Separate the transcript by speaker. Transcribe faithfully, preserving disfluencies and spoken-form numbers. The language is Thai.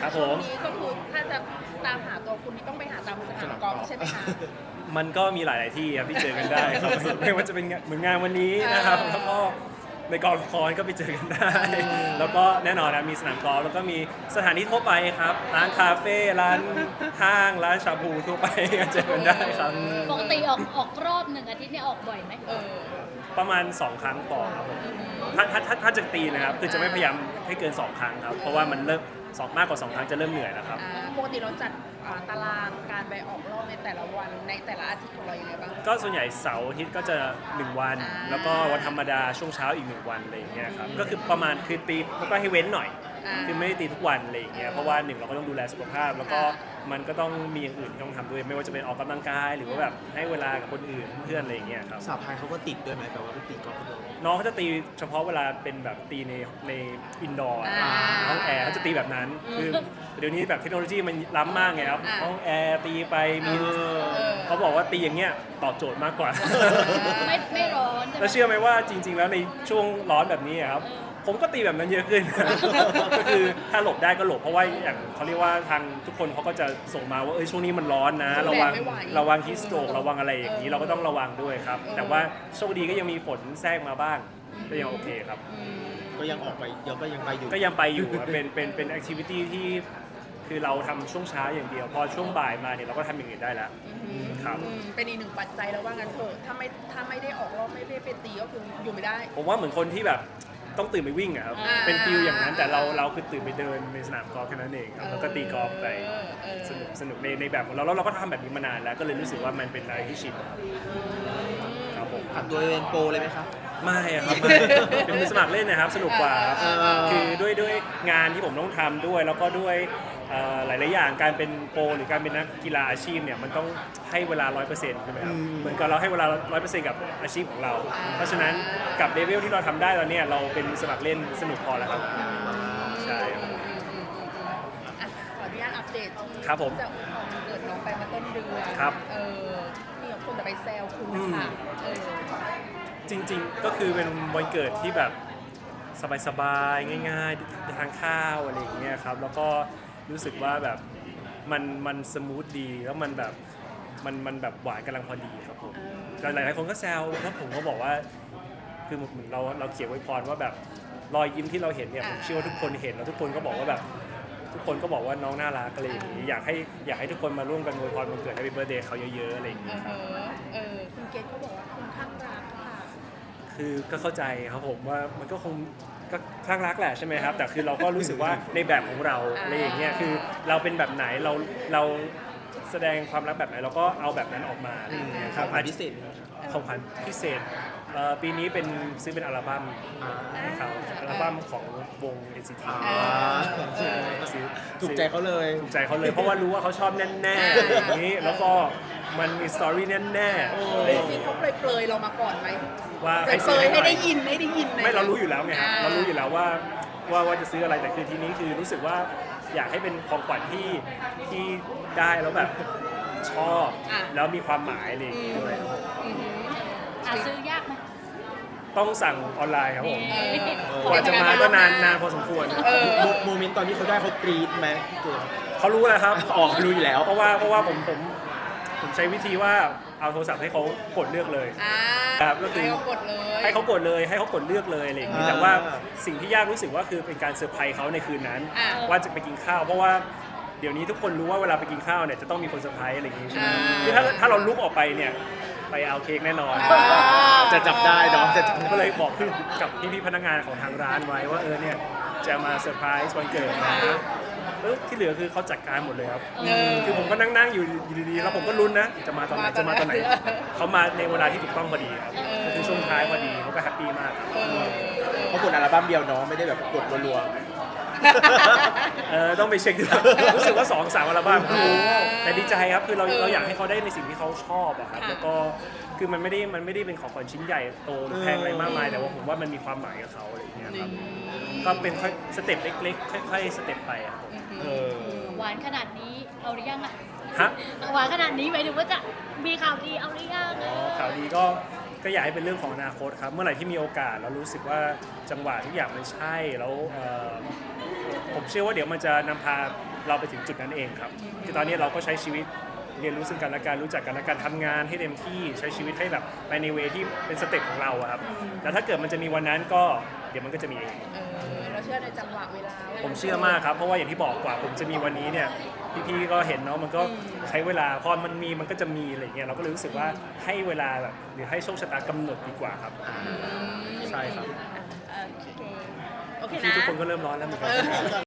Speaker 1: ครับผ
Speaker 2: ช่วง
Speaker 1: ม
Speaker 2: นี้ก็คือถ้าจะตามหาตัวคุณนี่ต้องไปหาตามสนามกอล์ฟใช่ไหมคะ
Speaker 1: มันก็มีหลาย ๆ ที่ครับที่เจอกันได้ครับ ไม่ว่าจะเป็นเหมือนงานวันนี้นะครับ
Speaker 2: เออ
Speaker 1: แล้วก็ในกองละครก็ไปเจอกันได้ แล้วก็แน่นอนนะมีสนามกอล์ฟแล้วก็มีสถานที่ทั่วไปครับ ร้านคาเฟ่ร้านห้างร้านชาบูทั่วไปก็เจอกันได้ครับ
Speaker 3: ปกติออกออกรอบหนึ่งอาทิตย์เนี่ยออกบ่อยไหม
Speaker 2: เออ
Speaker 1: ประมาณสองครั้งต่อครับผมถ้าถ้าถ้าถ้าจะตีนะครับคือจะไม่พยายามให้เกินสองครั้งครับเพราะว่ามันเริ่มสองมากกว่าสองครั้งจะเริ่มเหนื่อยแล้วครับ
Speaker 2: อ่าปกติเราจัดอ่าตารางการไปออกรอบในแต่ละวันในแต่ละอาทิตย์ของเรายังไงบ้าง
Speaker 1: ก็ส่วนใหญ่เสาร์อาทิตย์ก็จะหนึ่งวัน
Speaker 2: อ่า
Speaker 1: แล้วก็วันธรรมดาช่วงเช้าอีกหนึ่งวันอะไรอย่างเงี้ยครับก็คือประมาณคือตีแล้วก็ให้เว้นหน่อย
Speaker 2: อ่า
Speaker 1: คือไม่ได้ตีทุกวันอะไรอย่างเงี้ยเพราะว่าหนึ่งเราก็ต้องดูแลสุขภาพ แล้วก็มันก็ต้องมีอย่างอื่นที่ต้องทำด้วย ไม่ว่าจะเป็นออกกำลังกายหรือว่าแบบให้เวลากับคนอื่นเพื่อนอะไรอย่างเงี้ยครับ
Speaker 4: สาวพายเขาก็ติดด้วยไหมแบบว่าไปตีกอล์ฟด้วย
Speaker 1: น้องเขาจะตีเฉพาะเวลาเป็นแบบตีในในอินดอร์
Speaker 2: อ่า
Speaker 1: ห้องแอร์เขาจะตีแบบนั้นคือเดี๋ยวนี้แบบเทคโนโลยีมันล้ำมากไงครับ
Speaker 2: อ่า
Speaker 1: ห้องแอร์ตีไปมี
Speaker 2: เออ
Speaker 1: เขาบอกว่าตีอย่างเงี้ยตอบโจทย์มากกว่า
Speaker 3: ไม่ไม่ร้อนใช่ไหม
Speaker 1: แล้วเชื่อไหมว่าจริง ๆ แล้วในช่วงร้อนแบบนี้อะครับผมก็ตีแบบนั้นเยอะขึ้น ก็คือถ้าหลบได้ก็หลบเพราะว่าอย่างเขาเรียกว่าทางทุกคนเขาก็จะส่งมาว่าเอ้ยช่วงนี้มันร้อนนะ ระวัง
Speaker 2: ไม่ไหว
Speaker 1: ระวังฮีสโตรกระวังอะไรอย่างนี้
Speaker 2: เออ
Speaker 1: เราก็ต้องระวังด้วยครับ
Speaker 2: เออ
Speaker 1: แต่ว่าโชคดีก็ยังมีฝนแทรกมาบ้างก็ยังโอเคครับ
Speaker 2: อืม
Speaker 4: ก็ยังออกไปเดี๋ยวก็ยังไปอยู่
Speaker 1: ก็ยังไปอยู่อะเป็นเป็นเป็นแอคทิวิตี้ที่คือเราทำช่วงเช้าอย่างเดียว พอช่วงบ่ายมาเนี่ยเราก็ทำอย่างอื่นได้แล้ว ครับ
Speaker 2: อืมเป็นอีกหนึ่งปัจจัยแล้วว่างั้นเถอะถ้าไม่ถ้าไม่ได้ออกรอบไม่ได้ไปตีก็คืออยู่ไม่ได้
Speaker 1: ผมว่าเหมือนคนที่แบบต้องตื่นไปวิ่งอะครับ
Speaker 2: อ่า
Speaker 1: เป็นฟิลอย่างนั้นแต่เราเราคือตื่นไปเดินในสนามกอล์ฟแค่นั้นเองครับแล้วก็ตีกอล์ฟไป
Speaker 2: เออเออ
Speaker 1: สนุกสนุกในในแบบของเราแล้วเราก็ทำแบบนี้มานานแล้วก็เลยรู้สึกว่ามันเป็นอะไรที่ชินครับผม
Speaker 4: ผัดตัวเป็นโปรเลยไหมครับ
Speaker 1: ไม่อะครับ เป็นมือสมัครเล่นนะครับสนุกกว่าครับ
Speaker 2: เออเออเออ
Speaker 1: คือด้วยด้วยงานที่ผมต้องทำด้วย แล้วก็ด้วยเอ่อหลายๆอย่างการเป็นโปรหรือการเป็นนักกีฬาอาชีพเนี่ยมันต้องให้เวลา ร้อยเปอร์เซ็นต์ ใช่ไหมครับ
Speaker 4: อืม
Speaker 1: เหมือนกับเราให้เวลา ร้อยเปอร์เซ็นต์ กับอาชีพของเรา เพราะฉะนั้นกับเลเวลที่เราทำได้ตอนเนี้ยเราเป็นมือสมัครเล่นสนุกพอแล้วครับใช่ครับ
Speaker 2: อ่ะขออนุญาตอัปเดตที่
Speaker 1: ครับผม
Speaker 2: จะอวยพรวันเกิดน้องไปเมาต้นเดือน
Speaker 1: ครับ
Speaker 2: เออมีคนแต่ไปแซวคุณ
Speaker 1: อืม
Speaker 2: ค่ะเออ
Speaker 1: จริงๆ ก็คือเป็นวันเกิดที่แบบสบายๆ ง่ายๆ ทานข้าวอะไรอย่างเงี้ยครับ แล้วก็รู้สึกว่าแบบมันมันสมูทดี แล้วมันแบบมันมันแบบหวานกำลังพอดีครับผมแต่หลายๆคนก็แซวแล้วผมก็บอกว่าคือเหมือนเราเราเขียนไว้พรว่าแบบรอยยิ้มที่เราเห็นเนี่ยผมเชื่อว่าทุกคนเห็นแล้วทุกคนก็บอกว่าแบบทุกคนก็บอกว่าน้องน่ารักอะไรอย่างงี้อยากให้อยากให้ทุกคนมาร่วมกันอวยพรวันเกิดให้เป็นเบอร์เดย์เขาเยอะๆอะไรอย่าง
Speaker 2: เอ
Speaker 1: เงี้ย
Speaker 2: อ
Speaker 1: ครับ
Speaker 2: เออคุณเกดเขาบอกว่าคุณข้างรักค่ะ
Speaker 1: คือก็เข้าใจครับผมว่ามันก็คงก็คลั่งรักแหละใช่ไหมครับ แต่คือเราก็รู้สึกว่าในแบบของเราอะไรอย่างเงี้ยคือเราเป็นแบบไหนเราเราแสดงความรักแบบไหนเราก็เอาแบบนั้นออกมาอะไรอย่างเงี้ยครับ
Speaker 4: ของขวัญพิเศษไหมครับ
Speaker 1: ของขวัญพิเศษเอ่อปีนี้เป็นซื้อเป็นอัลบั้ม
Speaker 4: อ่า
Speaker 1: ให้เขาอัลบั้มของวง เอ็น ซี ที
Speaker 4: อ่า
Speaker 1: ซื้อ
Speaker 4: ถูกใจเขาเลย
Speaker 1: ถูกใจเขาเลยเพราะว่ารู้ว่าเขาชอบแน่ๆอย่างนี้แล้วก็มันมีสตอรี่แน่ๆอะไรอย่าง
Speaker 2: จริ
Speaker 1: เงี้
Speaker 2: ง
Speaker 1: ย
Speaker 2: ๆเขาเปรยๆเรามาก่อนไหม
Speaker 1: ว่า
Speaker 2: เปร
Speaker 1: ให้
Speaker 2: ย
Speaker 1: ซื้อ
Speaker 2: ๆให้
Speaker 1: หน่อย
Speaker 2: ได้ยินให้ได้ยิน
Speaker 1: ไม่เรารู้อยู่แล้วไงครับ
Speaker 2: อ่า
Speaker 1: เรารู้อยู่แล้วว่าว่าว่าจะซื้ออะไรแต่คือทีนี้คือรู้สึกว่าอยากให้เป็นของขวัญที่ที่ได้แล้วแบบชอบ
Speaker 2: อ่ะ
Speaker 1: แล้วมีความหมายอะไรอย่าง
Speaker 2: อื
Speaker 1: งี้
Speaker 2: ม
Speaker 1: ด้วย
Speaker 2: อืม
Speaker 3: หาซื้อยากไหม
Speaker 1: ต้องสั่งออนไลน์ครับผม
Speaker 3: เออ
Speaker 1: กว่าจะมาก็นานนานพอสมควร
Speaker 2: เออ
Speaker 4: โมโมเมนต์ตอนที่เขาได้เขากรี๊ดไหมพี่เกด
Speaker 1: เขารู้แล้วครับ
Speaker 4: อ๋อเขารู้อยู่แล้ว
Speaker 1: เพราะว่าเพราะว่าผมผมผมใช้วิธีว่าเอาโทรศัพท์ให้เขากดเลือกเลย
Speaker 2: อ่า
Speaker 1: ครับก็คือ
Speaker 2: ให้เขากดเลย
Speaker 1: ให้เขากดเลยให้เขากดเลือกเลยอะไรอย่างนี้
Speaker 4: อ่า
Speaker 1: แต่ว่าสิ่งที่ยากรู้สึกว่าคือเป็นการเซอร์ไพรส์เขาในคืนนั้น
Speaker 2: อ่า
Speaker 1: ว่าจะไปกินข้าว เพราะว่าเดี๋ยวนี้ทุกคนรู้ว่าเวลาไปกินข้าวเนี่ยจะต้องมีคนเซอร์ไพรส์อะไรอย่างนี้ใช่ไหม
Speaker 2: อ่า
Speaker 1: คือถ้าถ้าเราลุกออกไปเนี่ยไปเอาเค้กแน่นอน
Speaker 2: อ่า
Speaker 4: จะจับได้เนาะจะจับ
Speaker 1: ก็เลยบอกกับพี่พี่ๆพนักงานของทางร้านไว้ว่าเออเนี่ยจะมาเซอร์ไพรส์วันเกิดนะเออที่เหลือคือเขาจัดการหมดเลยครับ
Speaker 2: เออ
Speaker 1: คือผมก็นั่งนั่งๆอยู่ดีๆแล้วผมก็ลุ้นนะจะมาตอนไหน
Speaker 2: มาต
Speaker 1: จะ
Speaker 2: อนไหน
Speaker 1: มาตอนไหนเขามาในเวลาที่ถูกต้องพอดีครับ
Speaker 2: เออ
Speaker 1: ก็คือช่วงท้ายพอดีเขาก็แฮปปี้มากครับ
Speaker 2: เออเออ
Speaker 4: เขากดอัลบั้มเดียวเนาะไม่ได้แบบกดรัว
Speaker 1: เออต้องไปเช็คดู รู้สึกว่าสองสามอัลบั้ม
Speaker 2: อ่า
Speaker 1: แต่ดีใจครับคือเรา
Speaker 2: เออ
Speaker 1: เราอยากให้เขาได้ในสิ่งที่เขาชอบอะครับ
Speaker 2: ค่ะ
Speaker 1: แล้วก็คือมันไม่ได้มันไม่ได้เป็นของขวัญชิ้นใหญ่โตแพงอะไรมากมายแต่ว่าผมว่ามันมีความหมายกับเขาอะไรอย่างเงี้ยครับก็เป็นค่อยสเต็ปเล็กๆค่อยๆสเต็ปไปอะครับผม
Speaker 4: ๆเออ
Speaker 3: หวานขนาดนี้เอาหรือยังอะ
Speaker 1: ฮะ
Speaker 3: หวานขนาดนี้หมายถึงว่าจะมีข่าวดีเอาหรือยัง
Speaker 1: อ๋อข่าวดีก็ก็อยากให้เป็นเรื่องของอนาคตครับ เมื่อไหร่ที่มีโอกาสแล้วรู้สึกว่าจังหวะทุกอย่างมันใช่แล้วเอ่อผมเชื่อว่าเดี๋ยวมันจะนำพาเราไปถึงจุดนั้นเองครับคือตอนนี้เราก็ใช้ชีวิตเรียนรู้ซึ่งกันและกันรู้จักกันและกันทำงานให้เต็มที่ใช้ชีวิตให้แบบไปในเวที่เป็นสเต็ปของเราอะครับแต่ถ้าเกิดมันจะมีวันนั้นก็เดี๋ยวมันก็จะมีเอง
Speaker 2: เออเราเชื่อในจังหวะเวลา
Speaker 1: ผมเชื่อมากครับเพราะว่าอย่างที่บอกกว่าผมจะมีวันนี้เนี่ยพี่ๆก็เห็นเนาะมันก็ใช้เวลาพอมันมีมันก็จะมีอะไรเงี้ยเราก็เลยรู้สึกว่าให้เวลาแบบหรือให้โชคชะตากำหนดดีกว่าครับ ใช่ครับ
Speaker 2: โอเคโอเค
Speaker 1: พี่
Speaker 2: นะ
Speaker 1: ทุกคนก็เริ่มร้อนแล้วเหมือนกัน
Speaker 2: เออ